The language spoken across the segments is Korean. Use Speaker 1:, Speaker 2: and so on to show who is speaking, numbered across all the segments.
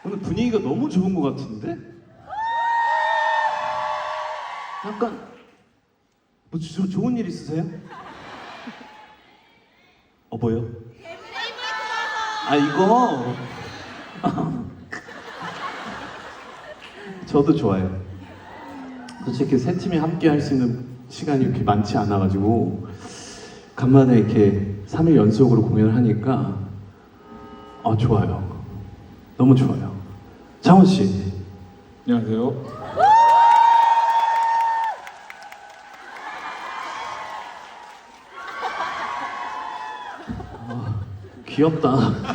Speaker 1: 오늘 분위기가 너무 좋은 것 같은데? 약간 뭐 좋은 일 있으세요? 뭐요? 아 이거 저도 좋아요. 솔직히 세 팀이 함께 할 수 있는 시간이 이렇게 많지 않아가지고 간만에 이렇게 3일 연속으로 공연을 하니까 좋아요. 너무 좋아요. 장원 씨.
Speaker 2: 안녕하세요.
Speaker 1: 귀엽다.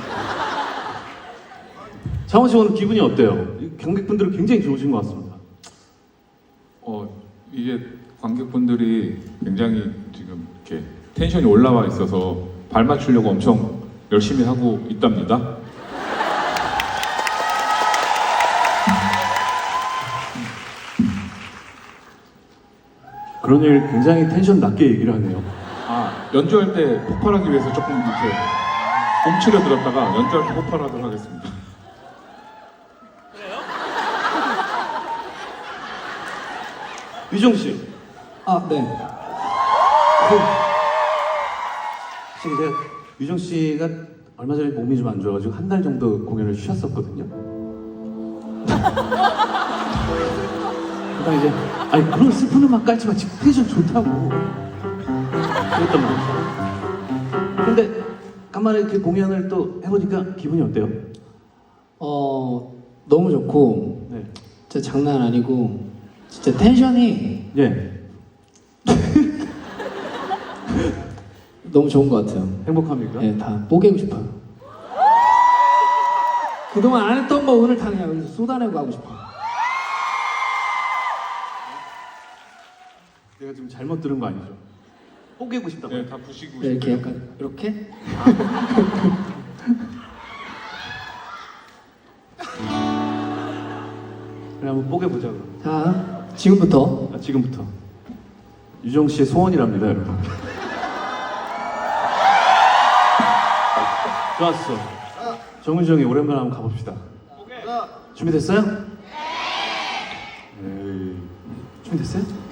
Speaker 1: 장원 씨 오늘 기분이 어때요? 관객분들은 굉장히 좋으신 것 같습니다.
Speaker 2: 이게 관객분들이 굉장히 지금 이렇게 텐션이 올라와 있어서 발 맞추려고 엄청 열심히 하고 있답니다.
Speaker 1: 그런 일 굉장히 텐션 낮게 얘기를 하네요.
Speaker 2: 연주할 때 폭발하기 위해서 조금 이렇게 움츠려 들었다가 연주할 때 폭발하도록 하겠습니다.
Speaker 1: 유정 씨.
Speaker 3: 네.
Speaker 1: 사실 제가 유정 씨가 얼마 전에 몸이 좀 안 좋아가지고 한 달 정도 공연을 쉬었었거든요. 그러니까 이제 그런 슬픈 음악 깔지 마. 지금 텐션 좋다고 그랬단 말이죠. 근데 간만에 이렇게 공연을 또 해보니까 기분이 어때요?
Speaker 3: 너무 좋고
Speaker 1: 네.
Speaker 3: 진짜 장난 아니고 진짜 텐션이
Speaker 1: 예.
Speaker 3: 너무 좋은 것 같아요.
Speaker 1: 행복합니까?
Speaker 3: 네, 다 뽀개고 싶어요. 그동안 안 했던 거 오늘 다 그냥 여기서 쏟아내고 하고 싶어요.
Speaker 1: 내가 지금 잘못 들은 거 아니죠? 뽀개고 싶다고.
Speaker 2: 네, 다 부시고
Speaker 3: 네, 이렇게
Speaker 2: 싶어요.
Speaker 3: 약간 이렇게
Speaker 1: 그래 한번 뽀개보자 그럼.
Speaker 3: 자 지금부터
Speaker 1: 지금부터 유정 씨의 소원이랍니다, 여러분. 좋았어. 정은정이 오랜만에 한번 가봅시다. 준비됐어요? 네. 준비됐어요?